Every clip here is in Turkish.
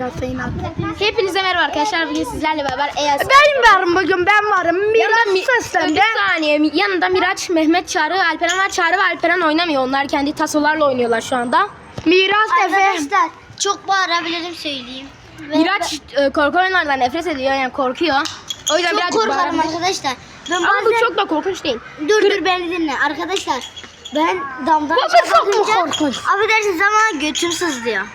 Hepinize merhaba arkadaşlar. Bugün sizlerle beraber Ben varım bugün, ben varım. Miraç seslendi. Bir saniye. Yanında Miraç, Mehmet, Çağrı, Alperen var. Çağrı ve Alperen oynamıyor. Onlar kendi tasolarla oynuyorlar şu anda. Miraç Efe. Arkadaşlar çok bağırabilirim söyleyeyim. Miraç korku oyunlardan nefret ediyor, yani korkuyor. O yüzden Çok birazcık korkarım bağırabilir. arkadaşlar. Ben Ama bazen... bu çok da korkunç değil. Dur beni dinle arkadaşlar. Ben damdan Bu aşağı çok mu bakınca korkunç? affedersiniz ama götüm sızlıyor.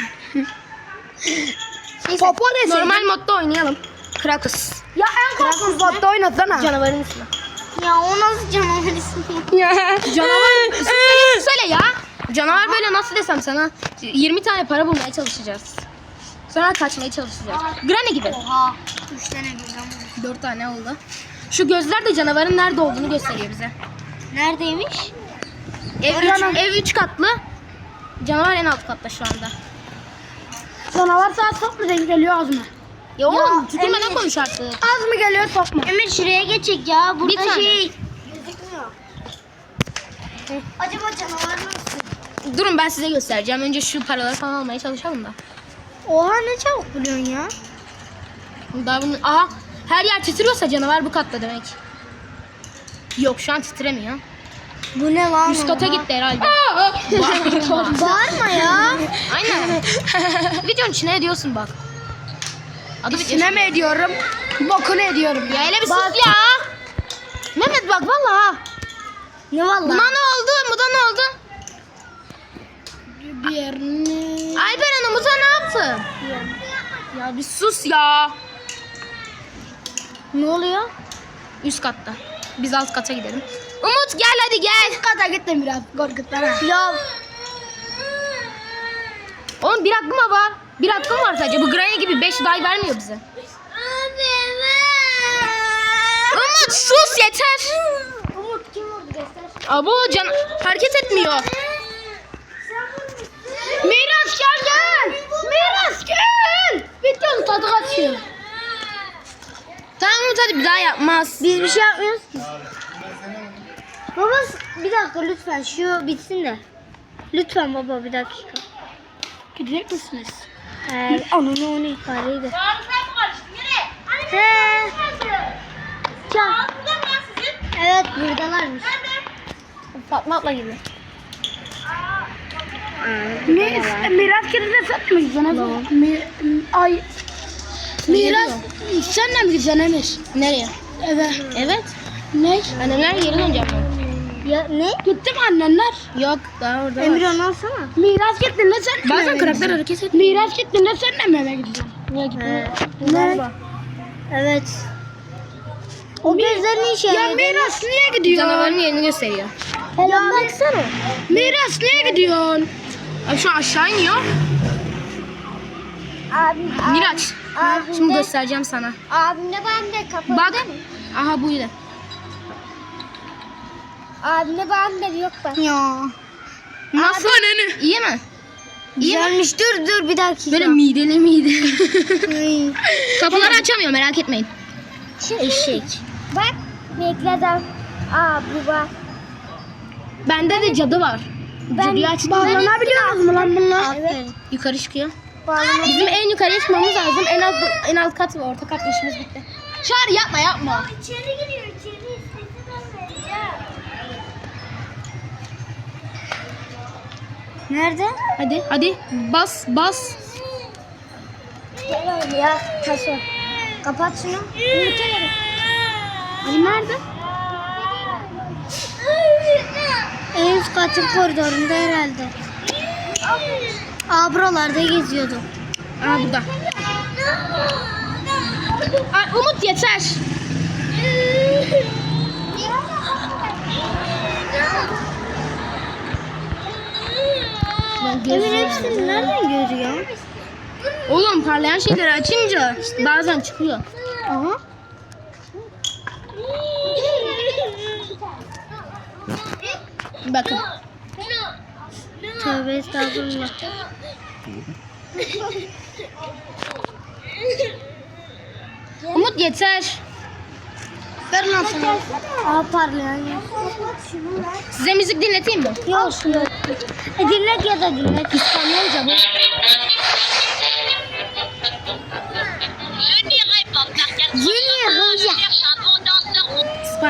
Popo desin. Normal modda oynayalım. Krakus. Ya en korkunç modda oynasana. Canavarın ismi. Ya o nasıl canavar ismi? Canavar söyle ya. Canavar böyle nasıl desem sana. 20 tane para bulmaya çalışacağız. Sonra kaçmaya çalışacağız. Granny gibi. Oha. 3 tane birden 4 tane oldu. Şu gözler de canavarın nerede olduğunu gösteriyor bize. Neredeymiş? Ev 3 katlı. Canavar en alt katta şu anda. Canavar saat çok mu denk geliyor, az mı? Ya oğlum tükürmeden Emir. konuş artık. Az mı geliyor, çok mu? Emir şuraya geçecek ya. Bir Burada tane. şey gözükmüyor. Acaba canavar nasıl? Durun ben size göstereceğim. Önce şu paraları falan almaya çalışalım da. Oha ne çabuk buluyorsun ya. Daha bunu... Aha her yer titriyorsa canavar bu katta demek. Yok şu an titremiyor. Bu ne lan? Üst kata oha? gitti herhalde. Bağırma ya. Aynen. Videonun içine ediyorsun bak. Adı Ne mi ediyorum? Bokunu ediyorum. Ya hele bir sus ya. Mehmet bak vallahi. Ne valla? Buna ne oldu? Buna ne oldu? Bir yerini... Alperen Umut'a ne yaptı? Ya bir sus ya. Ne oluyor? Üst katta. Biz alt kata gidelim. Umut gel hadi gel. Kata gittim biraz, korkutlar ha. Ya Oğlum bir hakkım var. Bir hakkım var sadece. Bu Granny gibi 5 day vermiyor bize. Umut sus yeter. Umut kim oldu göster. Abo can hareket etmiyor. Miraç gel. Miraç gel. Videonun tadı kaçıyor. Tamam Umut hadi bir daha yapmaz. Biz bir şey yapmıyoruz ki. Baba bir dakika lütfen şu bitsin de. Lütfen baba bir dakika. Gidecek misiniz? Ananı onu ifadeyi He. Ya. Evet buradalarmış. Fatma abla gibi. Miraç kedide satmayacaksın Efe. Ay. Miraç sen de mi gideceksin Emir? Nereye? Eve. Evet. Ne? Annemler geri döneceğim ben. Ya ne? Gitti mi annenler? Yok daha orada Emir var. onu alsana. Miraç gittin de sen de mi Bazen eve karakter gideceksin? hareket etmiyor. Miraç gittin de sen de mi eve gideceksin? Niye gitmiyor? Ne? Evet. O gözler ne işe Ya yarıyor? Miraç niye gidiyorsun? Canavarın yerini gösteriyor. Ya baksana. Miraç niye gidiyorsun? Ay, şu aşağı iniyor. Abim, Miraç. Şimdi göstereceğim sana. abimle ben de kapalı Bak. değil mi? Aha buydu. Abimle ben de yok ben. Ya. Nasıl? İyi mi? İyi mi? Güzelmiş dur bir dakika. Böyle mideli mideli. Ay. Kapıları açamıyor merak etmeyin. Eşek. Bak bekledim. Aa bu var. Bende de cadı var. Cadıyı açtım. Bağlanabiliyor musun lan bunlar? Evet. Yukarı çıkıyor. Bağlama. Bizim en yukarıya çıkmamız lazım. En alt kat ve orta kat işimiz bitti. Çağrı yapma. İçeri giriyor içeri. Nerede? Hadi bas. Gel oğlum ya. Taşı. Kapat şunu. Hani nerede? En üst katın koridorunda herhalde. Aa buralarda geziyordu. Aa burada. Ay, Umut yeter. Emir hepsini nereden görüyor? Oğlum parlayan şeyleri açınca bazen çıkıyor. Aha. Bakın. Tövbe estağfurullah. Umut yeter. Ver lan sana. Aa parlayan ya. Size müzik dinleteyim mi? Yok yok. Dinlet ya da dinlet. İspanyolca bu.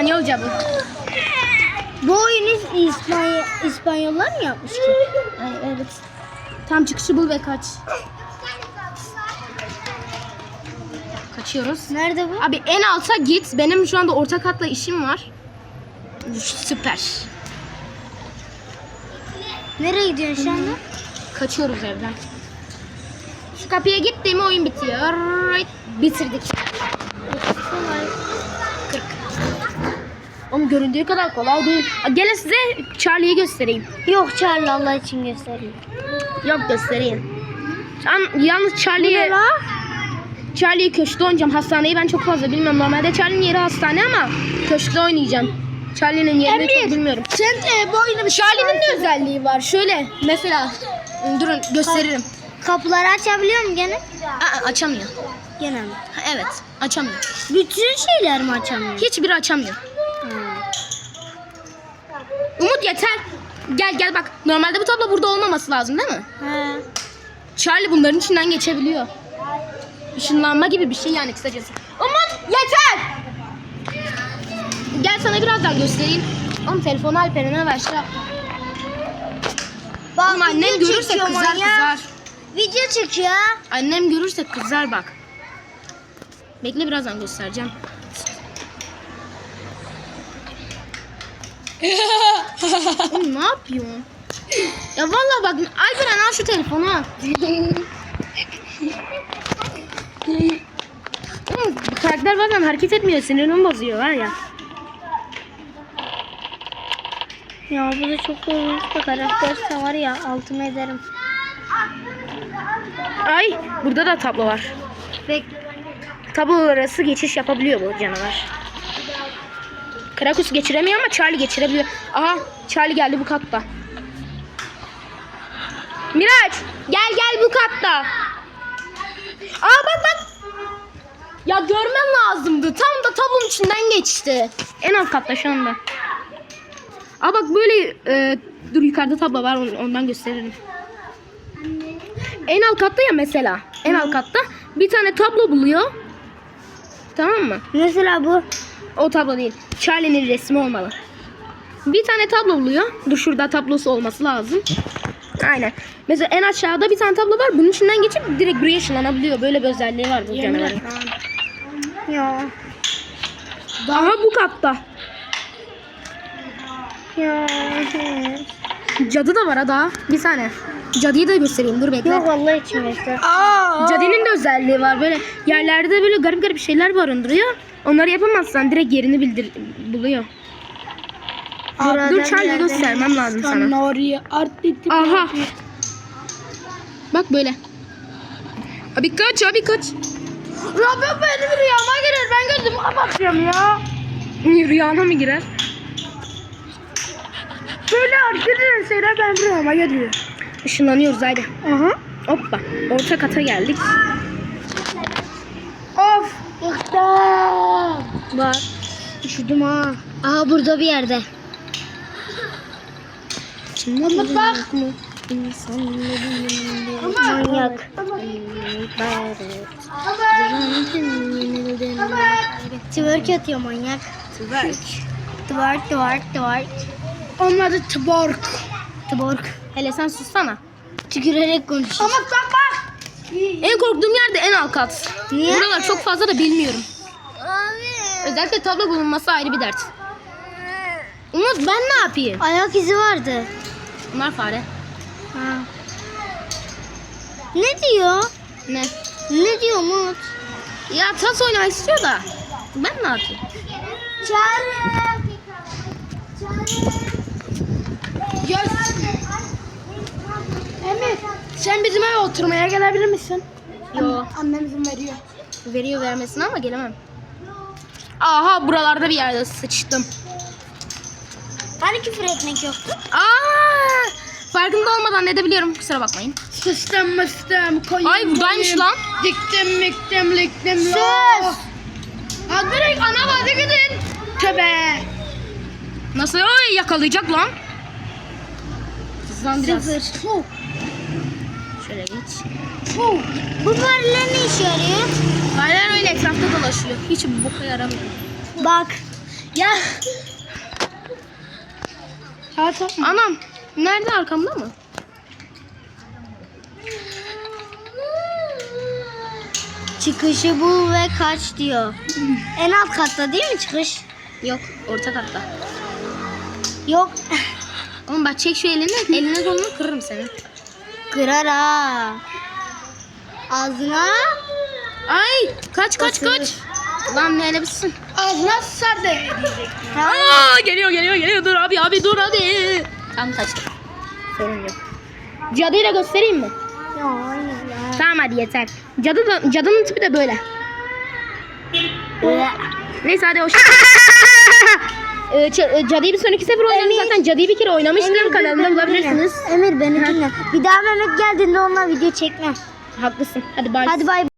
İspanyolca bu. Bu oyunu İspanyollar mı yapmış ki? Ay, evet. Tam çıkışı bul ve kaç. Kaçıyoruz. Nerede bu? Abi en alta git. Benim şu anda orta katla işim var. Süper. Nereye gidiyorsun şu anda? Kaçıyoruz evden. Şu kapıya gittiğim oyun bitiyor. Bitirdik. 40. Oğlum göründüğü kadar kolay değil. Gelin size Charlie'yi göstereyim. Yok Charlie, Allah için göstereyim. Yok göstereyim. Yalnız Charlie'yi köşkte oynayacağım. Hastaneyi ben çok fazla bilmiyorum. Normalde Charlie'nin yeri hastane ama köşkte oynayacağım. Charlie'nin yerini çok bilmiyorum. Sen bu oyunu bir Charlie'nin de özelliği var. Şöyle mesela durun gösteririm. Kapıları açabiliyor mu gene? Açamıyor. Gene mi? Evet açamıyor. Bütün şeyler mi açamıyor? Hiçbiri açamıyor. Umut yeter. Gel bak. Normalde bu tablo burada olmaması lazım değil mi? He. Charlie bunların içinden geçebiliyor. Işınlanma gibi bir şey yani kısacası. Umut yeter. Gel sana birazdan göstereyim. Oğlum telefonu Alperen'e ver şey yap. Oğlum annem görürse kızar. Video çekiyor. Annem görürse kızar bak. Bekle birazdan göstereceğim. Oğlum ne yapıyorsun? Ya vallahi bak Alperen al şu telefonu. Oğlum, bu karakter bazen hareket etmiyor, sinirimi bozuyor var ya. Ya bu da çok korkunç bir karakterse var ya, altıma ederim. Ay burada da tablo var. Tablolar arası geçiş yapabiliyor bu canavar. Krakus geçiremiyor ama Charlie geçirebiliyor. Aha Charlie geldi bu katta. Miraç gel bu katta. Bak. Ya görmen lazımdı. Tam da tablonun içinden geçti. En alt katta şu anda. Bak böyle dur yukarıda tablo var ondan gösteririm. En alt katta ya mesela. En alt katta bir tane tablo buluyor. Tamam mı? Mesela bu. O tablo değil. Charlie'nin resmi olmalı. Bir tane tablo buluyor. Dur şurada tablosu olması lazım. Aynen. Mesela en aşağıda bir tane tablo var. Bunun içinden geçip direkt buraya ışınlanabiliyor. Böyle bir özelliği var bu canavarın. Ya. Aha bu katta. Ya. Cadı da var ha daha. Bir tane. Cadıyı da göstereyim. Dur bekle. Yok Allah için göster. Cadının da özelliği var. Böyle yerlerde böyle garip şeyler barındırıyor. Onları yapamazsan direkt yerini buluyor. Dur Charlie göstermem lazım sana. oraya Aha. Bak böyle. Abi kaç. Rabbim benim rüyama girer. Ben gözümü kapatıyorum ya. Rüyana mı girer? Böyle hareket eden şeyler benim rüyama geliyor. Işınlanıyoruz haydi. Aha. Hoppa. Orta kata geldik. Of. Bıktım. Bak. Üşüdüm ha. Aha burada bir yerde. Umut bak. Manyak. Twerk atıyor manyak. Twerk. Onun adı Tbork. Twerk. Hele sen sussana. Tükürerek konuşuyor. Umut bak. En korktuğum yer de en alt kat. Niye? Buralar çok fazla da bilmiyorum. Özellikle tablo bulunması ayrı bir dert. Umut ben ne yapayım? Ayak izi vardı. Bunlar fare. Ha. Ne diyor? Ne? Ne diyor Umut? Ya tas oynamak istiyor da. Ben ne yapayım? Emir, sen bizim eve oturmaya gelebilir misin? Yo. Annem izin veriyor. Veriyor vermesine ama gelemem. Aha buralarda bir yerde sıçtım. Hani küfür etmek yoktu? Farkında olmadan ne de biliyorum, kusura bakmayın. Sıstım mıstım koyayım. Ay buradaymış lan. Diktim miktim liktim. Sus. Ha direkt ana bazı gidin. Tövbe. Nasıl? Ay yakalayacak lan. Hızlan biraz. Puh. Şöyle geç. Puh. Bu fareler ne işe yarıyor? Fareler öyle etrafta dolaşıyor. Hiç boka yaramıyor. Bak. Ya. Ha tamam. Anam. Nerede, arkamda mı? Çıkışı bul ve kaç diyor. En alt katta değil mi çıkış? Yok, orta katta. Yok. Oğlum bak çek şu elini. Eline kolunu kırırım seni. Kırar ha. Ağzına. Ay kaç kaç Basılır. kaç. Lan ne elemişsin? Ağzına sar de. Aa, geliyor dur abi dur abi. Tam kaçtım. Sorun yok. Cadıyı da göstereyim mi? Ya hayır ya. Tamam hadi yeter. Cadının tipi de böyle. Neyse hadi hoş. Cadıyı bir sonraki sefer oynarız Emir. zaten. Cadıyı bir kere oynamıştım, kanalımda bulabilirsiniz. Emir beni dinle. Bir daha Mehmet geldiğinde onunla video çekme. Haklısın. Hadi bay. Hadi bay.